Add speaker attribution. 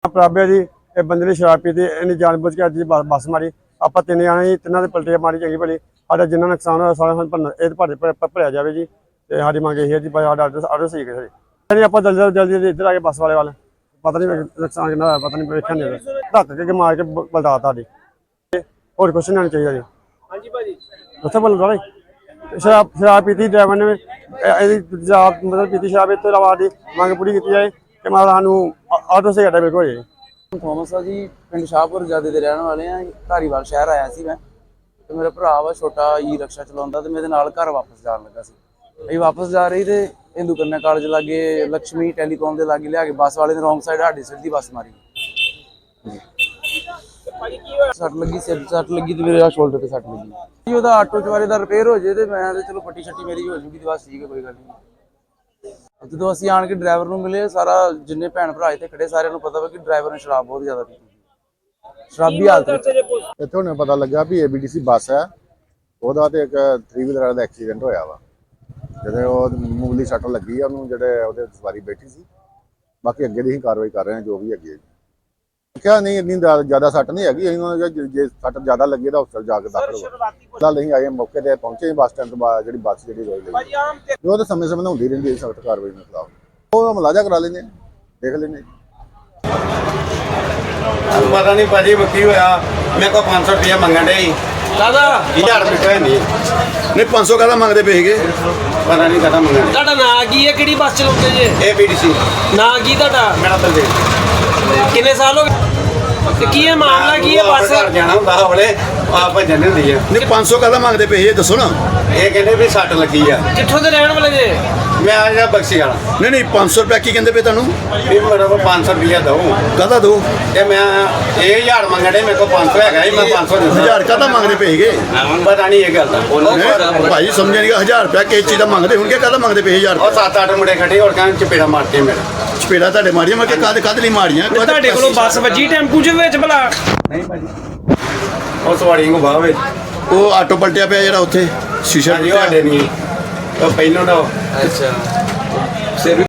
Speaker 1: ਪ੍ਰਾਬਿਆ ਜੀ ਇਹ ਬੰਦੇ ਨੇ ਸ਼ਰਾਬ ਪੀਤੀ, ਇਹਨੇ ਜਾਣਬੁੱਝ ਕੇ ਅੱਜ ਬੱਸ ਮਾਰੀ। ਆਪਾਂ ਤਿੰਨ ਜਾਣੇ ਜੀ, ਤਿੰਨਾਂ ਦੇ ਪਲਟੇ ਮਾਰੀ ਚੰਗੀ ਭਲੀ। ਸਾਡਾ ਜਿੰਨਾ ਨੁਕਸਾਨ ਹੋਇਆ ਸਾਰਾ ਇਹ ਭਰਿਆ ਜਾਵੇ ਜੀ। ਤੇ ਸਾਡੀ ਮੰਗ ਇਹ ਹੈ ਜੀ ਸਾਡਾ ਆਰਡਰ ਸਹੀ ਕਰੇ ਜੀ। ਆਪਾਂ ਜਲਦੀ ਇੱਧਰ ਆ ਕੇ ਬੱਸ ਵਾਲੇ ਵੱਲ, ਪਤਾ ਨਹੀਂ ਨੁਕਸਾਨ ਕਿੰਨਾ ਹੋਇਆ, ਪਤਾ ਨਹੀਂ ਵੇਖਿਆ ਨਹੀਂ, ਧੱਕ ਕੇ ਮਾਰ ਕੇ ਬਲਦਾ ਸਾਡੀ। ਹੋਰ ਕੁਛ ਨਹੀਂ ਚਾਹੀਦਾ ਜੀ।
Speaker 2: ਹਾਂਜੀ ਭਾਜੀ
Speaker 1: ਉੱਥੇ ਬੋਲ ਰਹੇ ਸ਼ਰਾਬ ਪੀਤੀ ਡਰਾਈਵਰ ਨੇ, ਇਹਦੀ ਸ਼ਰਾਬ ਮਤਲਬ ਪੀਤੀ ਸ਼ਰਾਬ। ਇਸ ਤੋਂ ਇਲਾਵਾ ਦੀ ਮੰਗ ਪੂਰੀ ਕੀਤੀ ਜਾਏ ਕਿ ਮਾਰਾ ਸਾਨੂੰ ਆਟੋ ਸੇ ਘਟਾ ਬਿਲਕੁਲ ਹੋ ਜਾਏ।
Speaker 3: ਥੋਮਸ ਆ ਜੀ, ਪਿੰਡ ਸ਼ਾਹਪੁਰ ਜਾਦੇ ਦੇ ਰਹਿਣ ਵਾਲੇ ਆ। ਧਾਰੀਵਾਲ ਸ਼ਹਿਰ ਆਇਆ ਸੀ ਮੈਂ, ਤੇ ਮੇਰਾ ਭਰਾ ਵਾ ਛੋਟਾ ਈ ਰਕਸ਼ਾ ਚਲਾਉਂਦਾ, ਤੇ ਮੇਰੇ ਨਾਲ ਘਰ ਵਾਪਸ ਜਾਣ ਲੱਗਾ ਸੀ। ਅਸੀਂ ਵਾਪਸ ਜਾ ਰਹੀ ਤੇ ਹਿੰਦੂ ਕੰਨਿਆ ਕਾਲਜ ਲਾਗੇ ਲక్ష్ਮੀ ਟੈਲੀਕਾਮ ਦੇ ਲਾਗੇ ਲਿਆ ਕੇ ਬੱਸ ਵਾਲੇ ਨੇ ਰੋਂਗ ਸਾਈਡ ਸਾਡੀ ਸਿੱਧੀ ਬੱਸ ਮਾਰੀ। ਸੱਟ ਲੱਗੀ, ਸਿਰ ਸੱਟ ਲੱਗੀ ਤੇ ਮੇਰੇ ਸ਼ੋਲਡਰ ਤੇ ਸੱਟ ਲੱਗੀ ਜੀ। ਉਹਦਾ ਆਟੋ ਚਵਾਰੇ ਦਾ ਰਿਪੇਅਰ ਹੋ ਜੇ ਤੇ ਮੈਂ ਤੇ ਚਲੋ ਪੱਟੀ ਛੱਟੀ ਮੇਰੀ ਹੋ ਜੂਗੀ ਤੇ ਬਸ ਠੀਕ ਹੈ, ਕੋਈ ਗੱਲ ਨਹੀਂ। ਜਦੋਂ ਅਸੀਂ ਆਣ ਕੇ ਡਰਾਈਵਰ ਨੂੰ ਮਿਲੇ, ਸਾਰਾ ਜਿੰਨੇ ਭੈਣ ਭਰਾ ਇੱਥੇ ਖੜੇ ਸਾਰਿਆਂ ਨੂੰ ਪਤਾ ਵਾ ਕਿ ਡਰਾਈਵਰ ਨੇ ਸ਼ਰਾਬ ਬਹੁਤ ਜ਼ਿਆਦਾ ਪੀਤੀ ਸੀ, ਸ਼ਰਾਬੀ ਹਾਲਤ ਵਿੱਚ।
Speaker 4: ਇੱਥੋਂ ਨੇ ਪਤਾ ਲੱਗਾ ਵੀ ABTC ਬੱਸ ਹੈ, ਉਹਦਾ ਤੇ ਇੱਕ 3 ਵੀਲਰ ਦਾ ਐਕਸੀਡੈਂਟ ਹੋਇਆ ਵਾ। ਜਿਹੜੇ ਉਹ ਮਾਮੂਲੀ ਸੱਟ ਲੱਗੀ ਆ ਉਹਨੂੰ, ਜਿਹੜੇ ਉਹਦੇ ਸਵਾਰੀ ਬੈਠੀ ਸੀ। ਬਾਕੀ ਅੱਗੇ ਦੀ ਹੀ ਕਾਰਵਾਈ ਕਰ ਰਹੇ ਹਾਂ ਜੋ ਵੀ ਹੈਗੀ। ਕਿਹਾ ਨਹੀਂ ਇੰਨੀ ਜ਼ਿਆਦਾ ਸੱਟ ਨਹੀਂ ਹੈਗੀ, ਜੇ ਸੱਟ ਜ਼ਿਆਦਾ ਲੱਗੀ ਤਾਂ ਹਸਪਤਾਲ ਜਾ ਕੇ ਦਾਖਲ ਹੋ। ਚੱਲ ਨਹੀਂ ਆਏ, ਮੌਕੇ ਤੇ ਪਹੁੰਚੇ ਬੱਸ ਸਟੈਂਡ ਤੋਂ ਬਾਅਦ ਜਿਹੜੀ ਬੱਸ ਜਿਹੜੀ ਰੋਈ ਲਈ ਉਹ ਤਾਂ ਸਮੇਂ ਸਮੇਂ ਹੁੰਦੀ ਰਹਿੰਦੀ ਹੈ ਸਖਤ ਕਾਰਵਾਈ ਦੇ ਖਿਲਾਫ। ਉਹ ਮੁਲਾਜ਼ਾ ਕਰਾ ਲੈਂਦੇ, ਦੇਖ ਲੈਂਦੇ।
Speaker 5: ਪਤਾ ਨਹੀਂ ਭਾਜੀ ਕੀ ਹੋਇਆ, ਮੇਰੇ ਕੋਲ 500 ਰੁਪਇਆ ਮੰਗਣ ਡੇ
Speaker 2: ਦਾਦਾ
Speaker 5: 1000 ਰੁਪਏ ਨਹੀਂ
Speaker 4: 500 ਕਾਹਦਾ ਮੰਗਦੇ ਪਏ ਸੀਗੇ,
Speaker 5: ਪਤਾ ਨਹੀਂ ਕਦਾ ਮੰਗਣ।
Speaker 2: ਤੁਹਾਡਾ ਨਾਂ ਕੀ ਹੈ, ਕਿਹੜੀ ਬੱਸ ਚਲਾਉਂਦੇ ਜੇ?
Speaker 5: ABTC
Speaker 2: ਨਾਂ ਕੀ ਤੁਹਾਡਾ?
Speaker 5: ਮੇਰਾ ਬਲਦੇਵ।
Speaker 2: ਕਿੰਨੇ ਸਾਲ ਹੋ ਗਏ ਤੇ ਕੀ ਇਹ ਮਾਮਲਾ ਕੀ ਹੈ? ਬੱਸ
Speaker 5: ਘਰ ਜਾਣਾ ਹੁੰਦਾ ਹਵਲੇ ਆਪ ਭੱਜਣ ਹੁੰਦੀ ਆ।
Speaker 4: ਨਹੀਂ 500 ਕਾਹਦਾ ਮੰਗਦੇ ਪਏ ਇਹ ਦੱਸੋ ਨਾ।
Speaker 5: ਇਹ ਕਹਿੰਦੇ ਵੀ ਸੱਟ ਲੱਗੀ ਆ।
Speaker 2: ਕਿੱਥੋਂ ਦੇ ਰਹਿਣ ਵਾਲੇ ਜੇ?
Speaker 5: ਮੈਂ ਆ ਜਾ ਬਖਸ਼ੀ ਵਾਲਾ।
Speaker 4: ਨਹੀਂ 500 ਰੁਪਏ ਕੀ ਕਹਿੰਦੇ ਪਏ ਤੁਹਾਨੂੰ,
Speaker 5: ਵੀ ਮੇਰੇ ਕੋਲ 500 ਰੁਪਇਆ ਦਊ
Speaker 4: ਕਾਹਦਾ ਦੋ
Speaker 5: ਤੇ ਮੈਂ ਇਹ 1000 ਮੰਗਣ ਡੇ, ਮੇਰੇ ਕੋਲ 500 ਹੈਗਾ ਸੀ, ਮੈਂ 500 ਦਿੱਤਾ।
Speaker 4: 1000 ਕਾਹਦਾ ਮੰਗਦੇ ਪਏ ਸੀਗੇ?
Speaker 5: ਪਤਾ ਨਹੀਂ ਇਹ ਗੱਲ ਦਾ।
Speaker 4: ਭਾਈ ਸਮਝਿਆ ਨਹੀਂ, 1000 ਰੁਪਏ ਕਿਸ ਚੀਜ਼ ਦਾ ਮੰਗਦੇ ਹੋਣਗੇ, ਕਾਹਦਾ ਮੰਗਦੇ ਪਏ 1000
Speaker 5: ਉਹ 7-8 ਮੁੰਡੇ ਖੜੇ ਹੋਰ ਕਹਿੰਦੇ ਚਪੇੜਾ ਮਾਰਤੇ ਮੇਰਾ।
Speaker 4: ਚਪੇੜਾ ਤੁਹਾਡੇ ਮਾਰੀਆਂ, ਮੈਂ ਕਿ ਕਾਹਦੇ ਲਈ ਮਾਰੀਆਂ?
Speaker 2: ਤੁਹਾਡੇ ਕੋਲੋਂ ਬੱਸ ਵੱਜੀ ਟੈਂਪੂ ਚ ਵਿੱਚ ਭਲਾ?
Speaker 5: ਨਹੀਂ ਭਾਜੀ ਉਹ ਸਵਾਰੀਆਂ ਨੂੰ ਬਾਹਰ ਵਿੱਚ
Speaker 4: ਉਹ ਆਟੋ ਪਲਟਿਆ ਪਿਆ ਜਿਹੜਾ ਉੱਥੇ ਸ਼ੀਸ਼ਾ
Speaker 5: ਸਾਡੇ ਨਹੀਂ ਉਹ ਪਹਿਲਾਂ ਦਾ।
Speaker 2: ਅੱਛਾ।